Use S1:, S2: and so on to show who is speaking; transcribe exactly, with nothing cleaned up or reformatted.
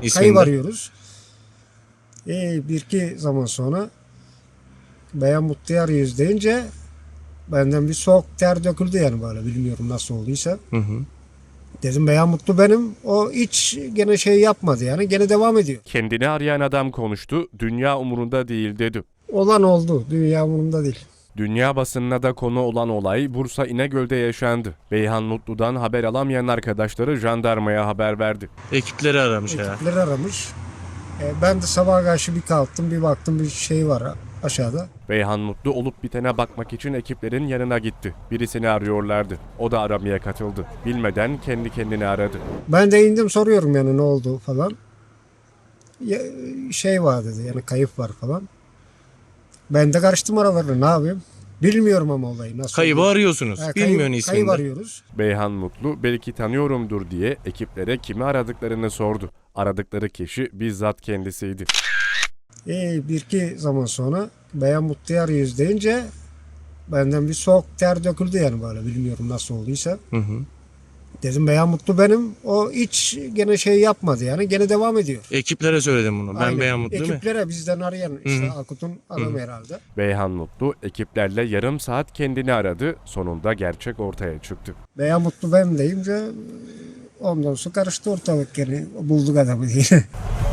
S1: isminde.
S2: kayıp arıyoruz. E, bir iki zaman sonra Beyan Mutlu'yu arıyoruz deyince benden bir soğuk ter döküldü yani böyle, bilmiyorum nasıl olduysa.
S1: Hı hı.
S2: Dedim Beyan Mutlu benim. O hiç gene şey yapmadı yani, gene devam ediyor.
S3: Kendini arayan adam konuştu, dünya umurunda değil dedi.
S2: Olan oldu, dünya umurumda değil.
S3: Dünya basınına da konu olan olay Bursa İnegöl'de yaşandı. Beyhan Mutlu'dan haber alamayan arkadaşları jandarmaya haber verdi.
S1: Ekipleri aramış herhalde.
S2: Ekipleri aramış. E, ben de sabah karşı bir kalktım, bir baktım bir şey var aşağıda.
S3: Beyhan Mutlu olup bitene bakmak için ekiplerin yanına gitti. Birisini arıyorlardı. O da aramaya katıldı. Bilmeden kendi kendini aradı.
S2: Ben de indim, soruyorum yani ne oldu falan. Ya, şey var dedi yani, kayıp var falan. Ben de karıştım aralarına, ne yapayım? Bilmiyorum ama olayı nasıl
S1: Kaybı
S2: oldu.
S1: arıyorsunuz.
S2: Ha,
S1: Bilmiyorsun
S2: kayıp,
S1: isminde.
S2: kayıp arıyoruz.
S3: Beyhan Mutlu belki tanıyorumdur diye ekiplere kimi aradıklarını sordu. Aradıkları kişi bizzat kendisiydi.
S2: E, bir iki zaman sonra Beyan Mutlu'yu arıyoruz deyince benden bir soğuk ter döküldü yani böyle, bilmiyorum nasıl olduysa.
S1: Hı hı.
S2: Dedim Beyan Mutlu benim. O hiç gene şey yapmadı yani, gene devam ediyor.
S1: Ekiplere söyledim bunu. Ben
S2: Aynen.
S1: Beyan Mutlu değil mi?
S2: Ekiplere bizden arayan işte
S1: Hı hı.
S2: Akut'un adamı herhalde.
S3: Beyhan Mutlu ekiplerle yarım saat kendini aradı. Sonunda gerçek ortaya çıktı.
S2: Beyan Mutlu benim deyince ondan sonra karıştı ortalık, gene bulduk adamı diye.